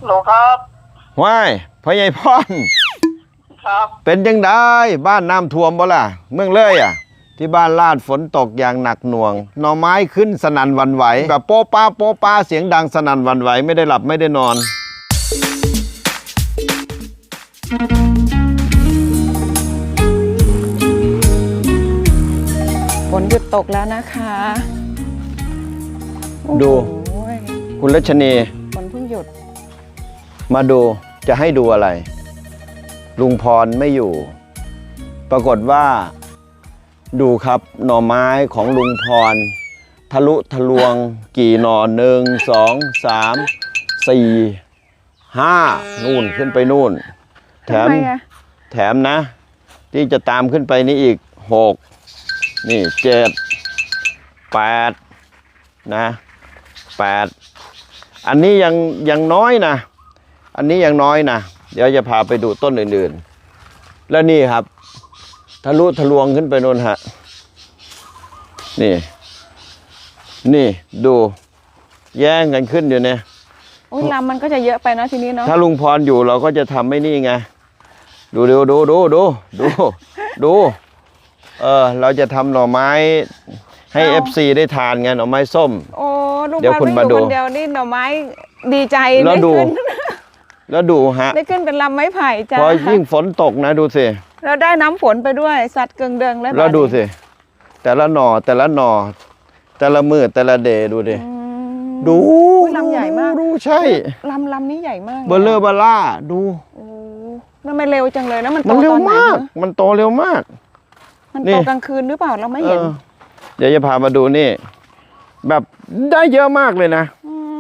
โหลครับว้ายพ่อใหญ่พ่อนครับเป็นยังได้บ้านน้ำท่วมบ่ล่ะเมืองเลยอ่ะที่บ้านลาดฝนตกอย่างหนักหน่วงหน่อไม้ขึ้นสนั่นหวั่นไหวแบบโป๊ะป้าเสียงดังสนั่นหวั่นไหวไม่ได้หลับไม่ได้นอนฝนหยุดตกแล้วนะคะดูคุณรัชนีฝนเพิ่งหยุดมาดูจะให้ดูอะไรลุงพรไม่อยู่ปรากฏว่าดูครับหน่อไม้ของลุงพรทะลุทะลวงกี่หน่อ1 2 3 4 5นู่นขึ้นไปนู่นแถมนะที่จะตามขึ้นไปนี่อีก6นี่7 8นะ8อันนี้ยังน้อยนะอันนี้ยังน้อยนะเดี๋ยวจะพาไปดูต้นอื่นๆแล้วนี่ครับทะลุทะลวงขึ้นไปโน่นฮะนี่ดูแย่งกันขึ้นอยู่เนี่ยลำมันก็จะเยอะไปนะทีนี้เนาะถ้าลุงพรอยู่เราก็จะทำไม่นี่ไงดูเราจะทำหน่อไม้ให้ FC ได้ทานไงหน่อไม้ส้มโอ้ลุงพรไม่อยู่คนเดียวนี่หน่อไม้ดีใจแล้วดูฮะได้ขึ้นเป็นลำไม้ไผ่จ้าพอยิ่งฝนตกนะดูสิเราได้น้ำฝนไปด้วยสัตว์เกิงเดิงแล้วดูสิแต่ละหน่อแต่ละมือแต่ละเดย์ดูดิดูลำใหญ่มากดูใช่ลำนี้ใหญ่มากเบลเลอร์บาล่าดูนั่นไม่เร็วจังเลยนะมันโตเร็วมากมันโตเร็วมากมันโตกลางคืนหรือเปล่าเราไม่เห็นเดี๋ยวจะพามาดูนี่แบบได้เยอะมากเลยนะ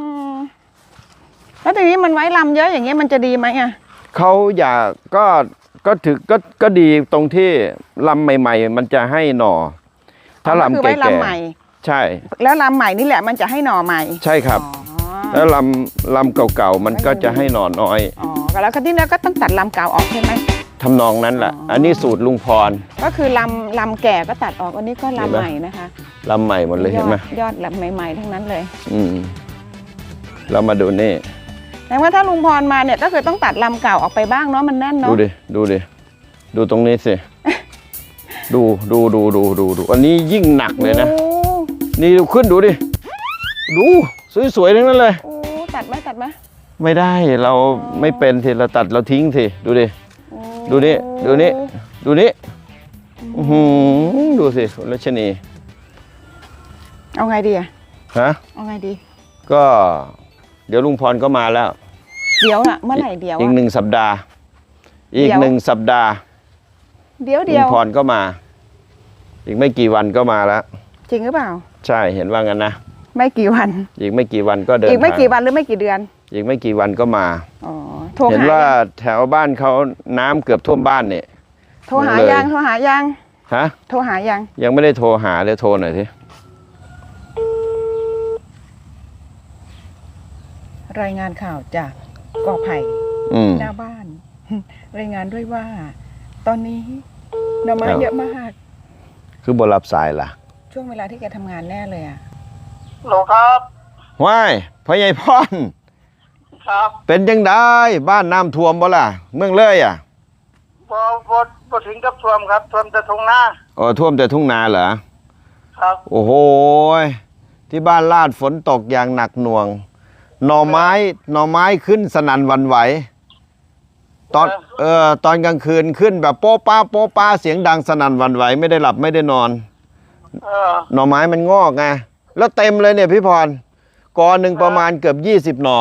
แล้วทีนี้มันไว้ลำเยอะอย่างเงี้ยมันจะดีไหมอ่ะเขาอยากก็ดีตรงที่ลำใหม่ๆมันจะให้หน่อถ้าลำแก่ๆใช่แล้วลำใหม่นี่แหละมันจะให้หน่อใหม่ใช่ครับแล้วลำเก่าๆมันก็จะให้หน่อน้อยแล้วก็ที่นั้นก็ต้องตัดลำเก่าออกใช่ไหมทำนองนั้นแหละอันนี้สูตรลุงพรก็คือลำแก่ก็ตัดออกอันนี้ก็ลำใหม่นะคะลำใหม่หมดเลยเห็นไหมยอดลำใหม่ๆทั้งนั้นเลยเรามาดูนี่แต่ว่าถ้าลุงพรมาเนี่ยก็คือต้องตัดลำเก่าออกไปบ้างเนาะมันแน่นเนาะดูตรงนี้สิดูอันนี้ยิ่งหนักเลยนะนี่ดูขึ้นดูดิดูสวยๆทั้งนั้นเลยตัดไหมไม่ได้เราไม่เป็นทีเราตัดเราทิ้งสิดูดิดูนี่ดูสิรัชนีเอาไงดีอะฮะเอาไงดีก็เดี๋ยวลุงพรก็มาแล้วเดี๋ยวอะเมื่อไหร่เดี๋ยวอีก1 สัปดาห์เดี๋ยวลุงพรก็มาอีกไม่กี่วันก็มาแล้วจริงหรือเปล่าใช่เห็นว่างั้นนะไม่กี่วันอีกไม่กี่วันก็เดินอีกไม่กี่วันหรือไม่กี่เดือนอีกไม่กี่วันก็มาเห็นว่าแถวบ้านเขาน้ำเกือบท่วมบ้านเนี่ยโทรหายังฮะโทรหายังไม่ได้โทรหาเลยโทรหน่อยสิรายงานข่าวจากกอไผ่หน้าบ้านรายงานด้วยว่าตอนนี้หน่อไม้เยอะมากคือบรับสายล่ะช่วงเวลาที่แกทำงานแน่เลยอ่ะโหลครับว้ายพ่อใหญ่พ่อนครับเป็นยังได้บ้านน้ำท่วมบ่ล่ะเมืองเลยอ่ะพอถึงกับท่วมครับท่วมแต่ทุ่งนาท่วมแต่ทุ่งนาเหรอครับโอ้โหที่บ้านลาดฝนตกอย่างหนักหน่วงหน่อไม้ขึ้นสนั่นหวั่นไหวตอนกลางคืนขึ้นแบบโป๊ะป้าเสียงดังสนั่นหวั่นไหวไม่ได้หลับไม่ได้นอนหน่อไม้มันงอกไงแล้วเต็มเลยเนี่ยพี่พรกอหนึ่งประมาณเกือบ20 หน่อ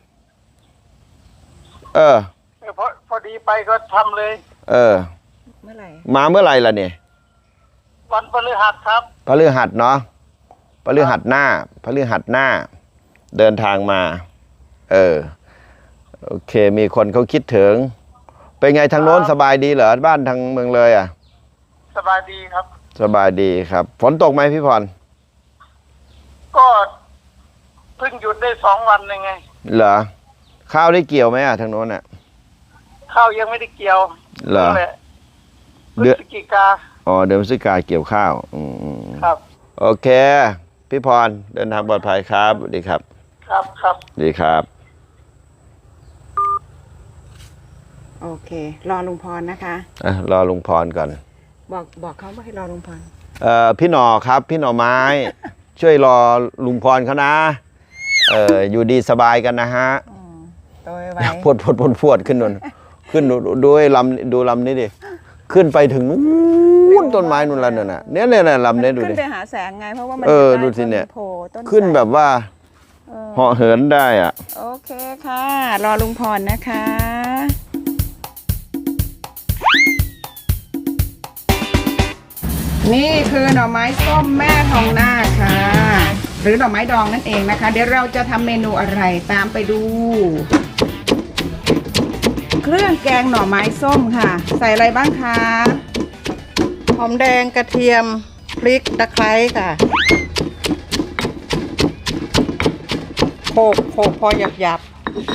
พอดีไปก็ทำเลยเมื่อไหร่มาเมื่อไหร่ล่ะเนี่ยวันพฤหัสครับพฤหัสเนาะพฤหัสหน้าเดินทางมาโอเคมีคนเขาคิดถึงเป็นไงทางโน้นสบายดีเหรอบ้านทางเมืองเลยอ่ะสบายดีครับสบายดีครับฝนตกไหมพี่พรก็เพิ่งหยุดได้2 วันไงเหรอข้าวได้เกี่ยวไหมอ่ะทางโน้นอ่ะข้าวยังไม่ได้เกี่ยวเหรอพฤศจิกาเดือนพฤศจิกาเกี่ยวข้าวครับโอเคพี่พรเดินทางปลอดภัยครับสวัสดีครับครับดีครับโอเค รอลุงพรนะคะรอลุงพรก่อนบอกเขาว่าให้รอลุงพรพี่หน่อครับ พี่หน่อไม้ ช่วยรอลุงพรเขานะอยู่ดีสบายกันนะฮะโดยไว้พวดขึ้นนนขึ้นด้วยดูลำนี้ดิขึ้นไปถึงนู้นต้นไม้นู่นแล้วเนี่ยเนี่ยลำนี้ดูขึ้ดินไปหาแสงไงเพราะว่ามันดูสิเนี่ยโผล่ต้นขึ้นแบบว่าเหาะเหินได้อ่ะโอเคค่ะ รอลุงพรนะคะ นี่คือหน่อไม้ส้มแม่ทองนาคค่ะ หรือหน่อไม้ดองนั่นเองนะคะ เดี๋ยวเราจะทำเมนูอะไรตามไปดู เครื่องแกงหน่อไม้ส้มค่ะ ใส่อะไรบ้างคะหอมแดงกระเทียมพริกตะไคร้ค่ะโขกพอหยับ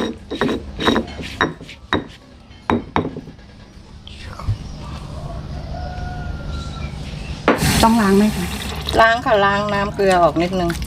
ต้องล้างไหมคะล้างค่ะล้างน้ำเกลือออกนิดนึง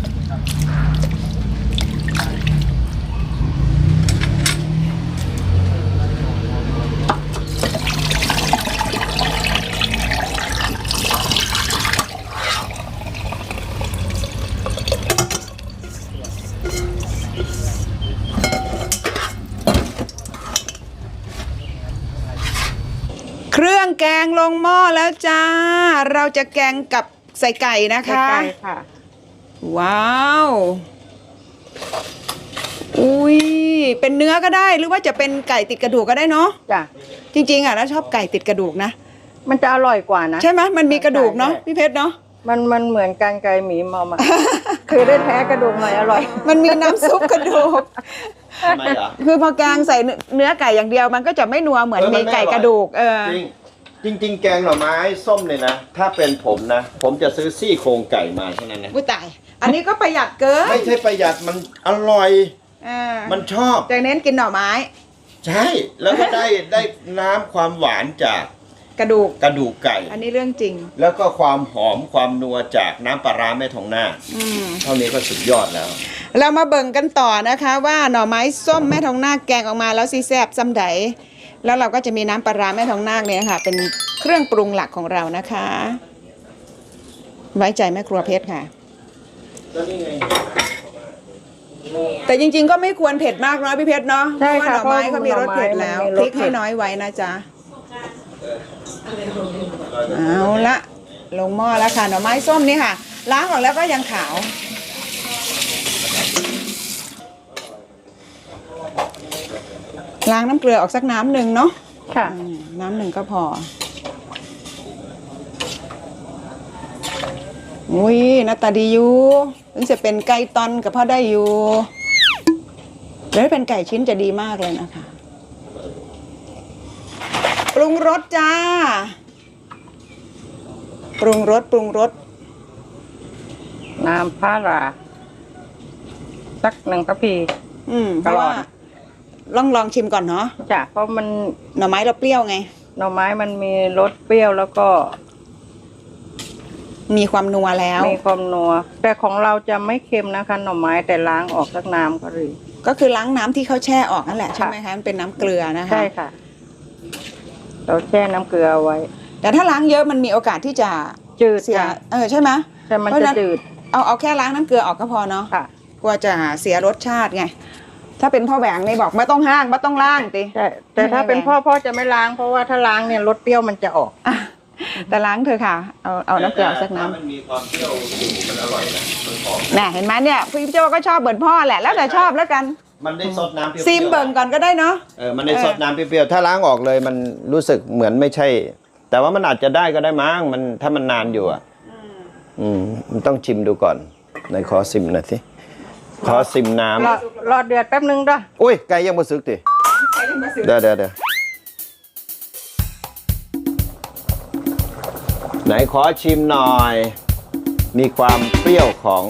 เครื่องแกงลงหม้อแล้วจ้า เราจะแกงกับใส่ไก่นะคะใส่ค่ะว้าว อุ้ยเป็นเนื้อก็ได้หรือว่าจะเป็นไก่ติดกระดูกก็ได้เนาะจ้ะจริงๆอ่ะแล้วชอบไก่ติดกระดูกนะมันจะอร่อยกว่านะใช่ไหมมันมีกระดูกเนาะใช่พี่เพชรเนาะมันเหมือนกันไก่หมีมอม คือได้แท้กระดูกหน่อยอร่อยมันมีน้ำซุปกระดูกทำไมเหรอคือพอแกงใส่เนื้อไก่อย่างเดียวมันก็จะไม่นัวเหมือนมีไก่กระดูกจริงแกงหน่อไม้ส้มเลยนะ ถ้าเป็นผมนะ ผมจะซื้อซี่โครงไก่มาเท่านั้นนะอุ้ยตายอันนี้ก็ประหยัดเกินไม่ใช่ประหยัดมันอร่อย มันชอบจะเน้นกินหน่อไม้ใช่ แล้วก็ได้น้ำความหวานจากกระดูกกระดูกไก่อันนี้เรื่องจริงแล้วก็ความหอมความนัวจากน้ำปลาร้าแม่ทองนาคเท่านี้ก็สุดยอดแล้วเรามาเบิ่งกันต่อนะคะว่าหน่อไม้ส้มแม่ทองนาคแกงออกมาแล้วซีแซบซ้ำใดแล้วเราก็จะมีน้ำปลาร้าแม่ทองนาคเนี่ยค่ะเป็นเครื่องปรุงหลักของเรานะคะ ไว้ใจแม่ครัวเพชรค่ะ แต่จริงๆก็ไม่ควรเผ็ดมากเนาะพี่เพชรเนาะใช่เพราะว่าหค่ะน่อไม้เขามีรสเผ็ดแล้วเพราะว่าหน่อไม้มันมีพรสริกให้น้อยไว้นะจ๊ะเอาละลงหม้อแล้วค่ะหน่อไม้ส้มนี่ค่ะ ล้างออกแล้วก็ยังขาว ล้างน้ำเกลือออกสักน้ำหนึ่งเนาะค่ะน้ำหนึ่งก็พอ อุ้ยหน้าตาดีอยู่ถึงจะเป็นไก่ตอนกับพ่อได้อยู่แล้วถ้าเป็นไก่ชิ้นจะดีมากเลยนะคะ ปรุงรสจ้า ปรุงรสน้ำปลาร้าสัก1 กระพีเพราะว่าลองชิมก่อนเนาะจ้ะเพราะมันหน่อไม้เราเปรี้ยวไงหน่อไม้มันมีรสเปรี้ยวแล้วก็มีความนัวแล้วมีความนัว แต่ของเราจะไม่เค็มนะคะหน่อไม้แต่ล้างออกสักน้ำก็ดีก็คือล้างน้ำที่เขาแช่ออกนั่นแหละใช่ไหมคะมันเป็นน้ำเกลือนะคะใช่ค่ะ เราแช่น้ำเกลือเอาไว้แต่ถ้าล้างเยอะมันมีโอกาสที่จะจืดเสียค่ะใช่ไหมแต่มันเพราะจะฉะนั้นจืดเอาแค่ล้างน้ำเกลือออกก็พอเนาะค่ะกลัวจะเสียรสชาติไง ถ้าเป็นพ่อแหวงนี่บอกไม่ต้องห้างไม่ต้องล้างติใช่แต่ถ้าเป็นพ่อจะไม่ล้างเพราะว่าถ้าล้างเนี่ยรสเปรี้ยวมันจะออกอ่ะแต่ล้างเถอะค่ะ เอาน้ำเกลือออกสักน้ถ้ามันมีความเปรี้ยวอยู่มันอร่อยนะมันหอมำน่ะเห็นไหมเนี่ยพี่โจก็ชอบเหมือนพ่อแหละแล้วแต่ชอบแล้วกันมันได้ซดน้ำเปรี้ยวๆซิมเบิ่งก่อนก็ได้เนาะมันได้ซดน้ำเปรี้ยวๆถ้าล้างออกเลยมันรู้สึกเหมือนไม่ใช่ แต่ว่ามันอาจจะได้ก็ได้มั้งมันถ้ามันนานอยู่อ่ะมันต้องชิมดูก่อนไหนขอซิมหน่อยสิขอซิมน้ำรอเดือดแป๊บนึงด้วยอุ้ยไก่ยังมาซึกติเดี๋ยวไหนขอชิมหน่อย มีความเปรี้ยวของ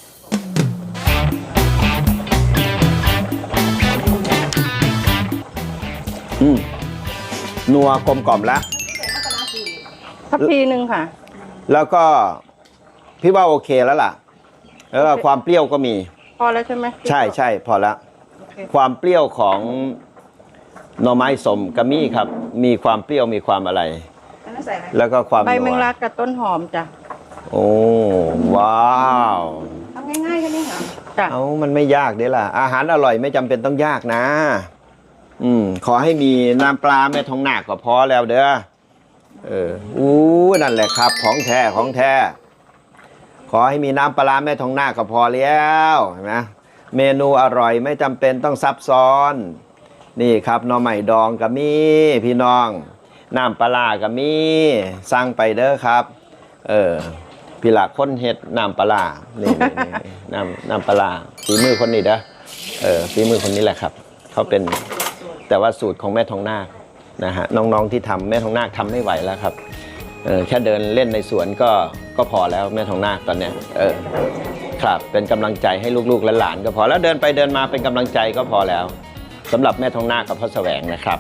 นัวกลมกล่อมแล้วทัพพีหนึ่งค่ะแล้วก็พี่ว่าโอเคแล้วล่ะ แล้วก็ความเปรี้ยวก็มีพอแล้วใช่ไหมใช่พอแล้วโอเคความเปรี้ยวของหน่อไม้สมกระมี่ครับ มีความเปรี้ยวมีความอะไรอันนั้นใส่อะไรแล้วก็ความใบนัวแมงลักกับต้นหอมจ้ะโอ้ว้าวทำง่ายๆแค่นี้เหรอจ้ะเอามันไม่ยากเด้ล่ะ อาหารอร่อยไม่จำเป็นต้องยากนะ ขอให้มีน้ำปลาแม่ทองนาคก็พอแล้วเด้ออู้นั่นแหละครับ ของแท้ของแท้ ขอให้มีน้ำปลาแม่ทองนาคก็พอแล้วเห็นไหมเมนูอร่อยไม่จำเป็นต้องซับซ้อน นี่ครับหน่อไม้ดองก็มีพี่น้อง น้ำปลาก็มีสั่งไปเด้อครับ พี่หลักคนเฮ็ดน้ำปลานี่น้ำปลาฝีมือคนนี้เด้อฝีมือคนนี้แหละครับเขาเป็นแต่ว่าสูตรของแม่ทองนาคนะฮะน้องๆที่ทำแม่ทองนาคทำไม่ไหวแล้วครับแค่เดินเล่นในสวนก็พอแล้วแม่ทองนาคตอนเนี้ยครับเป็นกำลังใจให้ลูกๆและหลานก็พอแล้วเดินไปเดินมาเป็นกำลังใจก็พอแล้วสำหรับแม่ทองนาคกับพ่อแสวงนะครับ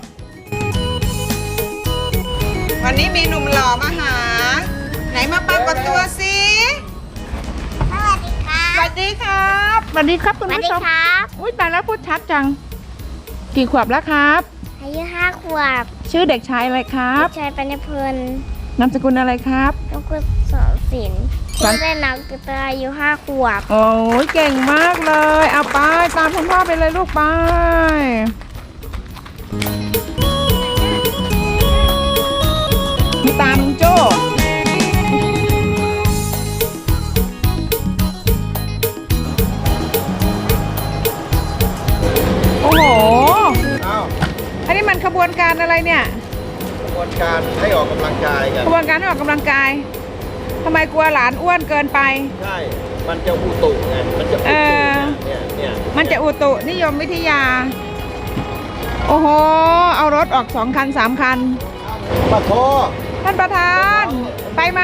วันนี้มีหนุ่มหล่อมาหา ไหนมาปรากฏตัวสิสวัสดีครับสวัสดีครับสวัสดีครับสคุณวัสผู้ดีชมครับอุ้ยตายแล้วพูดชัดจัง กี่ขวบแล้วครับอายุ5 ขวบชื่อเด็กชายอะไรครับชายปัญญพลนามสกุลอะไรครับลูกกุศสอนศิลป์สอนชื่อเล่นน้องกุตอายุ5 ขวบโอ้ยเก่งมากเลยเอาไปตามคุณพ่อไปเลยลูกไปมีตามลุงโจ้โอ้โหอ้าวอันนี้มันขบวนการอะไรเนี่ยกระบวนการให้ออกกำลังกายกันขบวนการให้ออกกำลังกายทำไมกลัวหลานอ้วนเกินไปใช่มันจะอุตุไงมันจะอุตุเนี่ยมันจะอุตุนิยมวิทยา โอ้โห เอารถออก2 คัน 3 คันปะโทท่านประธาน ไปไหม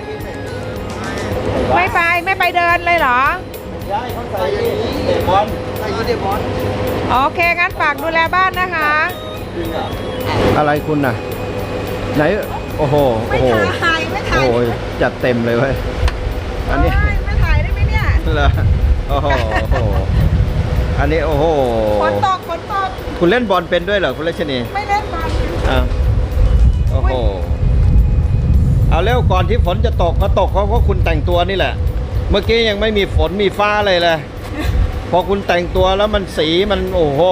ไม่ไปไม่ไปเดินเลยเหรอย้ายเขาใส่เตะบอลใส่เตะบอลโอเค งั้นฝากดูแลบ้านนะคะอะไรคุณน่ะ ไหน โอ้โหไม่โอ้โหถ่ายไม่ถ่ายโอ้ยจัดเต็มเลยเว้ยอันนี้โอ้ยไม่ถ่ายได้ไหมเนี่ยเหรอโอ้โหอันนี้โอ้โหฝนตกฝนตกคุณเล่นบอลเป็นด้วยเหรอคุณเลชนีไม่เล่นบอลอ้าวโอ้โหเอาเร็วก่อนที่ฝนจะตกมาตกเพราะคุณแต่งตัวนี่แหละ เมื่อกี้ยังไม่มีฝนมีฟ้าเลยพอคุณแต่งตัวแล้วมันสีมันโอ้โห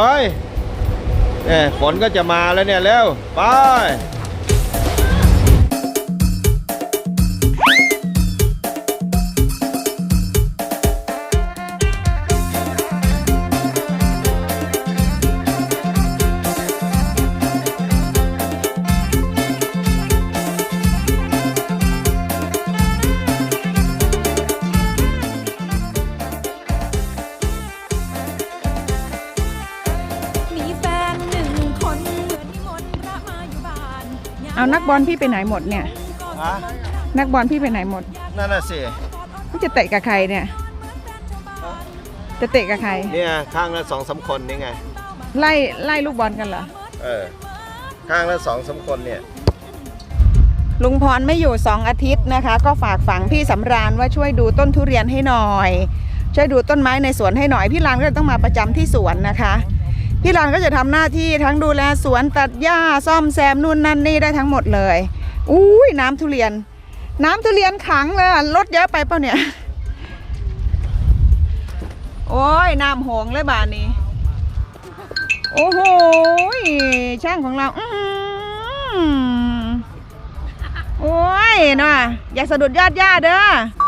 เนี่ยฝนก็จะมาแล้วเนี่ยเร็วไปเอานักบอลพี่ไปไหนหมดเนี่ย นักบอลพี่ไปไหนหมดนั่นน่ะสิพี่จะเตะกับใครเนี่ย จะเตะกับใครเนี่ยข้างละ2-3 คนนี่ไงไล่ลูกบอลกันเหรอข้างละ2-3 คนเนี่ยลุงพรไม่อยู่2 อาทิตย์นะคะ ก็ฝากฝังพี่สำราญว่าช่วยดูต้นทุเรียนให้หน่อย ช่วยดูต้นไม้ในสวนให้หน่อยพี่รานก็ต้องมาประจำที่สวนนะคะพี่รานก็จะทำหน้าที่ทั้งดูแลสวนตัดหญ้าซ่อมแซมนู่นนั่นนี่ได้ทั้งหมดเลยอุ้ยน้ำทุเรียนขังเลยรถเยอะไปเปล่าเนี่ยโอ้ยน้ำโหงเลยบ้านนี้โอ้โหช่างของเราโอ้ยน่ะอย่าสะดุดยอดหญ้าเด้อ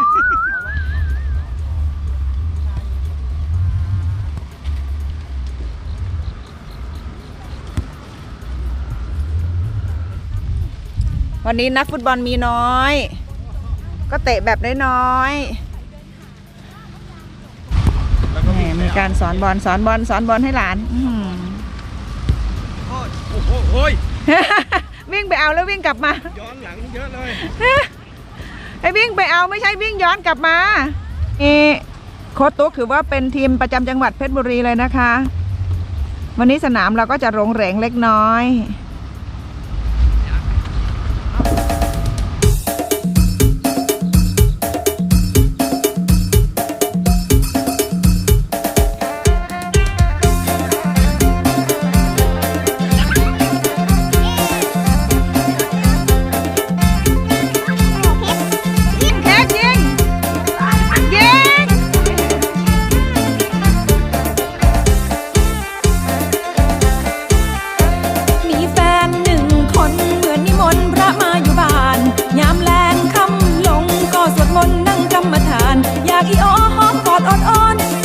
วันนี้นักฟุตบอลมีน้อย ก็เตะแบบน้อยๆมีการสอนบอลให้หลานวิ่งไปเอาแล้ววิ่งกลับมาย้อนหลังเยอะเลยไอ้วิ่งไปเอาไม่ใช่วิ่งย้อนกลับมาโค้ชตุ๊กถือว่าเป็นทีมประจำจังหวัดเพชรบุรีเลยนะคะวันนี้สนามเราก็จะโรงแรงเล็กน้อย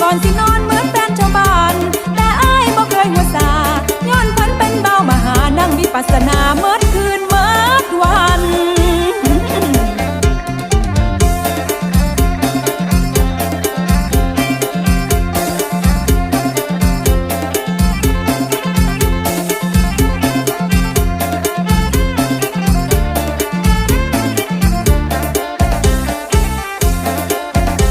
ก่อนสินอนเหมือนแฟนชาวบ้านแต่อ้ายบ่เคยหัวซาย้อนเพิ่นเป็นเบามหานั่งวิปัสสนา